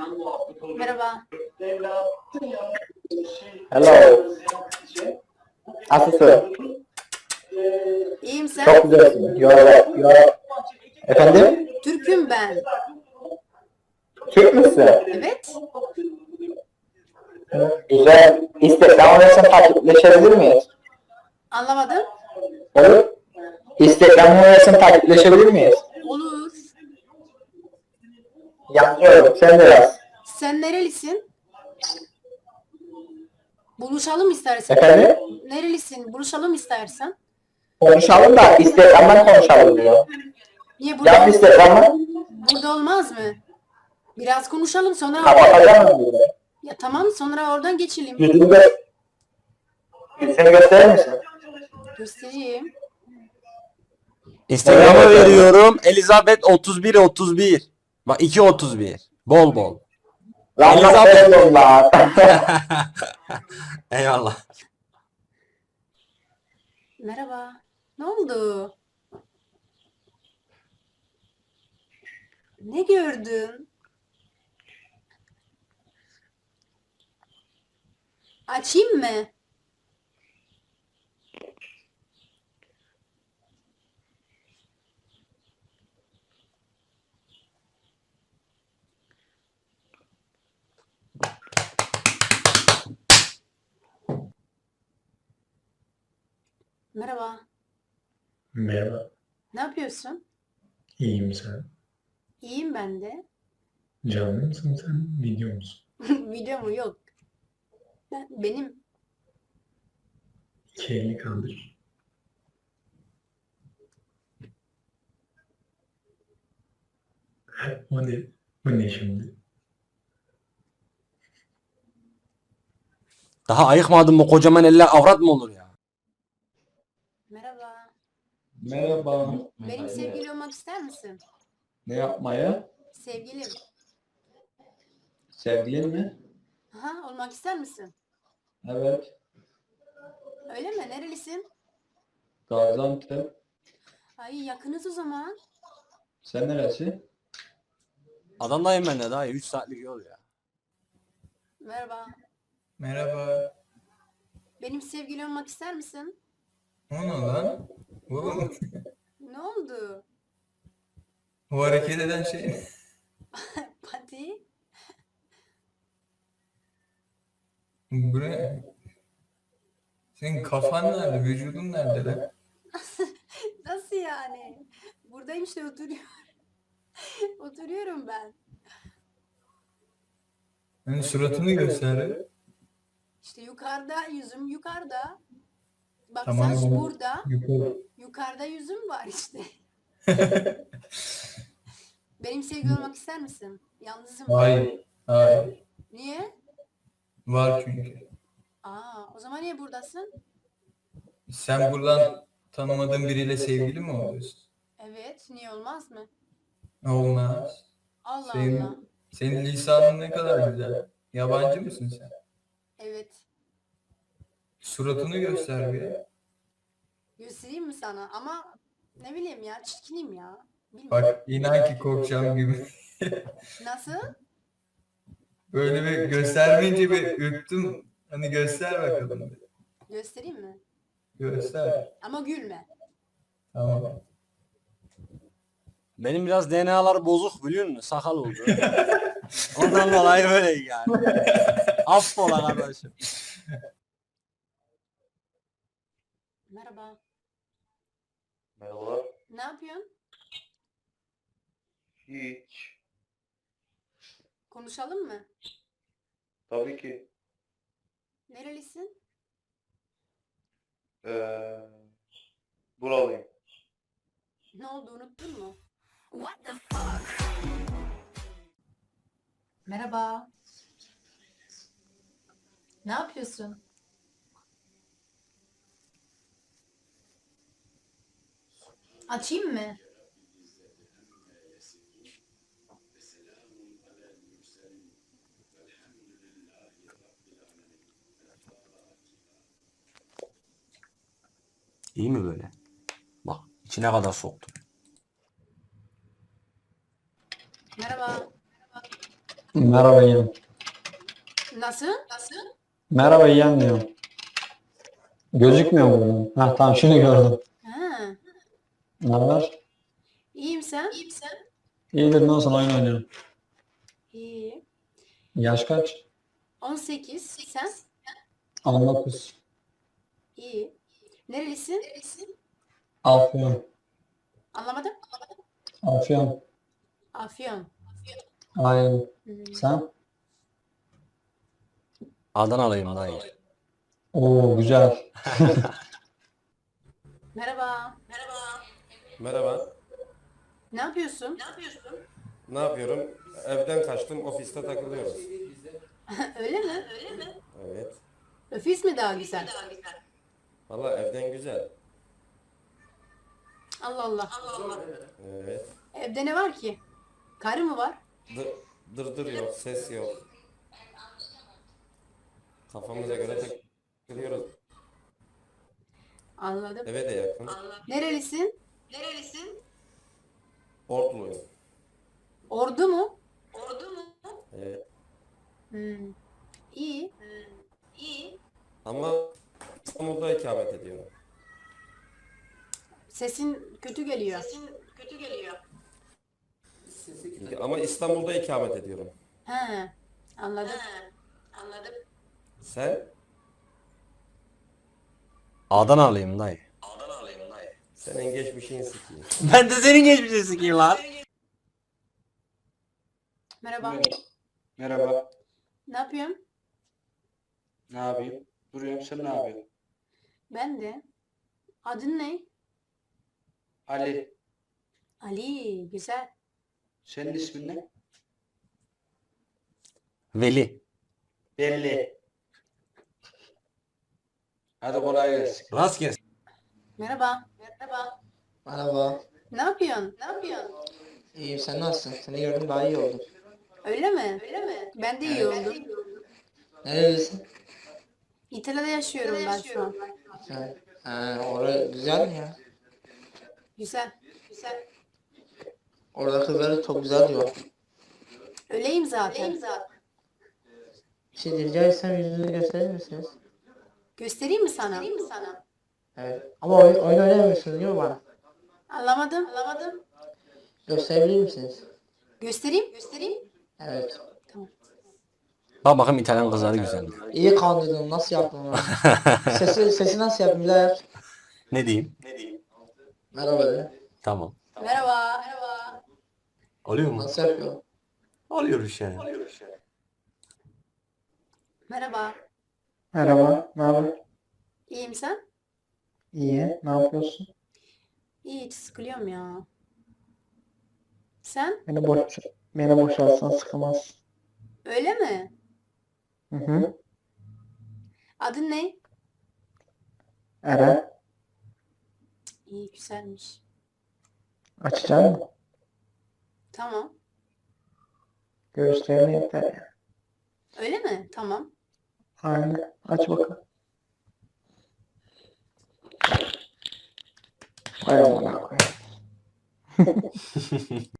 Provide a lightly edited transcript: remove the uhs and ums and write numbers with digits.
Merhaba. Hello. Nasılsın? İyiyim sen? Çok güzelsin. Efendim? Türk'üm ben. Türk müsün? Evet. Güzel. Instagram hesabı takipleşebilir miyiz? Anlamadım. Olur. Instagram hesabı takipleşebilir miyiz? Olur. Yapıyorum. Sen de yaz. Sen nerelisin? Buluşalım istersen. Efendim? Nerelisin? Buluşalım istersen. Konuşalım da Instagram'dan konuşalım diyor. Niye burada? Yap Instagram'ı. Burada olmaz mı? Biraz konuşalım sonra. Kapatacağım mı? Ya tamam sonra oradan geçelim. Yüzünü gösterir misin? Göstereyim. Instagram'a veriyorum. Elizabeth 3131. Bak 231. Bol bol. Lan Elizabeth. nasıl lan? Eyvallah. Merhaba. Ne oldu? Ne gördün? Açayım mı? Merhaba. Merhaba, Ne yapıyorsun? iyiyim sen. İyiyim ben de. Canlı mısın sen, video musun? Video mu? Yok. Benim. İki elini kaldır. O ne? Bu ne şimdi? Daha ayıkmadın mı kocaman eller avrat mı olur ya? Merhaba. Merhaba. Benim sevgili olmak ister misin? Ne yapmaya? Sevgilim. Sevgilin mi? Aha, olmak ister misin? Evet. Öyle mi? Nerelisin? Gaziantep. Ay yakınız o zaman. Sen neresi? Adamdayım ben de daha 3 saatlik yol ya. Merhaba. Merhaba. Benim sevgili olmak ister misin? O ne lan? Oğlum, Ne oldu? bu hareket eden şey. Pati. Bu ne? Senin kafan nerede? Vücudun nerede lan? Nasıl yani? Buradayım işte oturuyorum. Oturuyorum ben. Hani suratını göster. İşte yukarıda yüzüm yukarıda. Bak Tamam, saç bunu burada. yukarı. Yukarıda yüzüm var işte. Benim sevgili olmak ister misin? Yalnızım. Hayır. Hayır. Niye? Var çünkü. Aa, o zaman niye buradasın? Sen buradan tanımadığın biriyle sevgili mi oluyorsun? Evet, niye olmaz mı? Olmaz. Allah Allah. Senin lisanın ne kadar güzel. Yabancı mısın sen? Evet. Suratını göster bir. Göstereyim mi sana? Ama ne bileyim ya, çirkinim ya. Bilmiyorum. Bak inan ki korkacağım gibi. Nasıl? Böyle bir göstermeyince bir ürktüm. Hani göster bakalım. Bir. Göstereyim mi? Göster. Ama gülme. Tamam. Benim biraz DNA'lar bozuk biliyor musun? Sakal oldu. Ondan dolayı böyle yani. Affola kardeşim. Merhaba. Merhaba. Ne yapıyorsun? Hiç. Konuşalım mı? Tabii ki. Nerelisin? Buralıyım. Ne oldu unuttun mu? Merhaba. Ne yapıyorsun? Açayım mı? İyi mi böyle? Bak içine kadar soktum. Merhaba. Merhaba yeğenim. Nasıl? Merhaba yeğen diyorum. Gözükmüyor mu bunun? Ha tamam şimdi gördüm. Ha, Ne haber? iyiyim sen? İyidir ne olsun oyun oynuyorum. İyi. Yaş kaç? 18. Sen? 19. İyi. Nerelisin? Afyon. Anlamadım. Afyon. Afyon. Aynen. Hmm. Sen? Adanalıyım dayı. Oo güzel. Merhaba. Merhaba. Ne yapıyorsun? Ne yapıyorum? Evden kaçtım, ofiste takılıyoruz. Öyle mi? Evet. Ofis mi daha güzel? Valla evden güzel. Allah Allah. Evet. Evde ne var ki? Karı mı var? Dırdır yok, ses yok. Kafamıza göre takılıyoruz. Anladım. Eve de yakın. Nerelisin? Ortluyum. Ordu mu? Evet. Hmm. İyi. Ama İstanbul'da ikamet ediyorum. Sesin kötü geliyor. Ama İstanbul'da ikamet ediyorum. He. Anladım. Sen? Adanalıyım dayı. Senin geçmişin sikiyim. Ben de senin geçmişini sikeyim lan. Merhaba. Merhaba. Ne yapıyorsun? Ne yapayım? Duruyorum. Sen ne yapıyorsun? Ben de. Adın ne? Ali. Ali. Güzel. Senin ismin ne? Veli. Belli. Hadi kolay gelsin. Rast gelsin. Merhaba. Merhaba. Ne yapıyorsun? İyiyim, sen nasılsın? Seni gördüm daha iyi oldum. Öyle mi? Ben de iyi oldum. Nerelisin? İtalya'da yaşıyorum ben şu an. Sen. Orada güzel mi ya? Güzel. Orada kızları çok güzel diyor. Öyleyim zaten. Bir şey rica etsem yüzünüzü gösterir misiniz? Göstereyim mi sana? Evet. Ama oyun oynamıyorsunuz değil mi bana? Anlamadım. Gösterebilir misiniz? Göstereyim. Evet. Bak bakayım İtalyan kızları güzel mi? İyi kandırdım. Nasıl yaptın onu? Sesi nasıl yaptın? Bir daha yap. Ne diyeyim? Merhaba de. Tamam. Merhaba. Oluyor mu? Nasıl yapıyor? Oluyor bir şey. Merhaba. Merhaba, ne haber? İyiyim sen? İyi, ne yapıyorsun? İyi, hiç sıkılıyorum ya. Sen? Beni boşaltsan sıkılmaz. Öyle mi? Hı hı. Adın ne? Eren, İyi, güzelmiş. açacak mısın? Tamam. Göğüslerini yeter ya. Öyle mi? Tamam. Aynen, aç bakalım. Hay amına koyayım.